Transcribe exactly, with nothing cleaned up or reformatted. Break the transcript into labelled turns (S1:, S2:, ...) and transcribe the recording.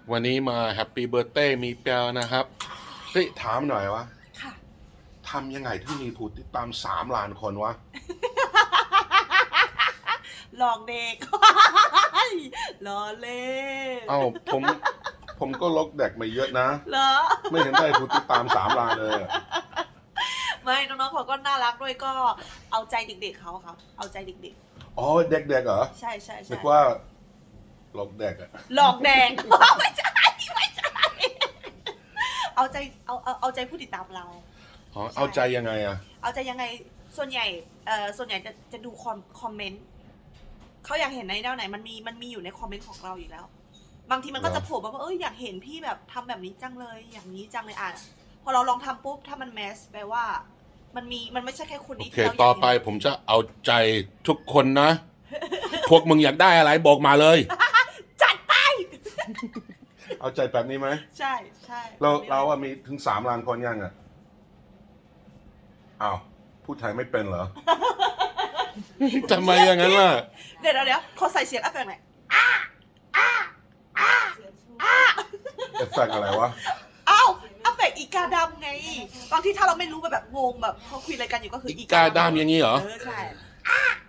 S1: วันนี้มาแฮปปี้เบิร์ a เ a ย์มีเปียวนะครับเฮ้ยถามหน่อยวะ
S2: ค่ะ
S1: ทำยังไงที่มีผู้ติดตามสามล้านคนวะ
S2: หลอกเด็ก ล้อเล่น
S1: เอ้าผมผมก็ลกเด็กมาเยอะนะ
S2: เหรอ
S1: ไม่เห็นได้ผู้ติดตามสามล้านเลยอะ
S2: ไม่น้องๆเขาก็น่ารักด้วยก็เอาใจเด็กๆเขาครับ เอาใจเด็ก
S1: อ๋อเด็กๆเหรอ
S2: ๆ ใช่ใช่ใช่
S1: นึกว่าลกเด็กอะ
S2: หลอกแดง ไม่ใช่ไม่ใช่ เอาใจเอาเอาเอาใจผู้ติดตามเรา
S1: อ๋อเอาใจยังไงอะ
S2: เอาใจยังไงส่วนใหญ่เอ่อส่วนใหญ่จะจะดูคอมคอมเมนต์เขาอยากเห็นในแนวไหนมันมีมันมีอยู่ในคอมเมนต์ของเราอยู่แล้ว บางทีมันก็จะโผล่มาว่าเอออยากเห็นพี่แบบทำแบบนี้จังเลยอย่างนี้จังเลยอ่ะพอเราลองทำปุ๊บถ้ามันแมสแปลว่า มันมีมันไม่ใช่แค่คน
S1: โอ
S2: นี้
S1: เค
S2: ที่เราอยาก
S1: ต่อไป
S2: เห็น
S1: ผมจะเอาใจทุกคนนะ พวกมึงอยากได้อะไรบอกมาเลย
S2: จัดไป
S1: เอาใจแบบนี้ไหม
S2: ใช่ใช่
S1: เราเราอะมีถึงสามล้านคนยังอะอ้าวพูดไทยไม่เป็นเหรอ ทำไมอย่างนั้นล่ะ
S2: เดี๋ยวเดี๋ยวเดี๋ยวขอใส่เสียงเอฟเฟกต์หน่อย
S1: เอฟเฟกต์อะไรวะ
S2: อ้าวเอฟเฟกต์อีกาดำไงบางทีถ้าเราไม่รู้แบบแบบงงแบบเขาคุยอะไรกันอยู่ก็คือ
S1: อีกาดำอย่างนี้เหรอ
S2: เออใช่